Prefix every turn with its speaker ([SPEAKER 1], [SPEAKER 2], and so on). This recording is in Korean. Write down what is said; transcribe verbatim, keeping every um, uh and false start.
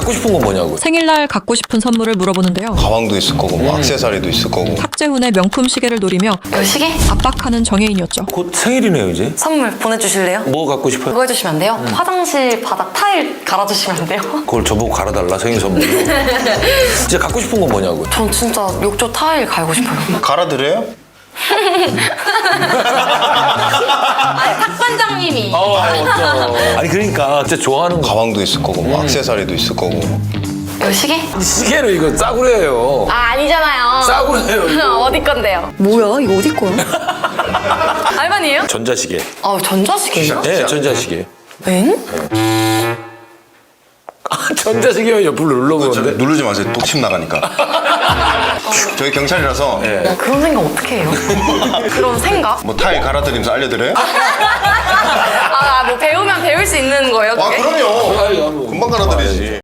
[SPEAKER 1] 갖고 싶은 건 뭐냐고.
[SPEAKER 2] 생일날 갖고 싶은 선물을 물어보는데요.
[SPEAKER 3] 가방도 있을 거고 뭐 액세서리도 있을 거고.
[SPEAKER 2] 탁재훈의 명품 시계를 노리며
[SPEAKER 4] 이 시계?
[SPEAKER 2] 압박하는 정혜인이었죠.
[SPEAKER 1] 곧 생일이네요 이제.
[SPEAKER 4] 선물 보내주실래요?
[SPEAKER 1] 뭐 갖고 싶어요?
[SPEAKER 4] 그거 해주시면 안 돼요? 화장실 바닥 타일 갈아주시면 안 돼요?
[SPEAKER 1] 그걸 저보고 갈아달라 생일 선물로. 진짜 갖고 싶은 건 뭐냐고.
[SPEAKER 4] 전 진짜 욕조 타일 갈고 싶어요.
[SPEAKER 3] 갈아드려요?
[SPEAKER 4] 아니 탁반장님이
[SPEAKER 1] 아니 그러니까 진짜 좋아하는 거.
[SPEAKER 3] 가방도 있을 거고 뭐 액세서리도 있을 거고.
[SPEAKER 4] 이거 시계?
[SPEAKER 1] 시계는 이거 싸구려예요.
[SPEAKER 4] 아 아니잖아요.
[SPEAKER 1] 싸구려예요, 이거.
[SPEAKER 4] 어디 건데요? 뭐야 이거 어디 거야? 알바니에요?
[SPEAKER 1] 전자시계.
[SPEAKER 4] 아 전자시계예요?
[SPEAKER 1] 네, 전자시계.
[SPEAKER 4] 엥?
[SPEAKER 1] 아, 전자시계면 옆으로 눌러보는데.
[SPEAKER 3] 누르지 마세요. 독침 나가니까. 저희 경찰이라서
[SPEAKER 4] 야, 그런 생각 어떻게 해요? 그런 생각?
[SPEAKER 3] 뭐 타일 갈아드리면서 알려드려요?
[SPEAKER 4] 아 뭐 배우면 배울 수 있는 거예요
[SPEAKER 3] 아
[SPEAKER 4] 그게?
[SPEAKER 3] 그럼요. 금방 갈아드리지.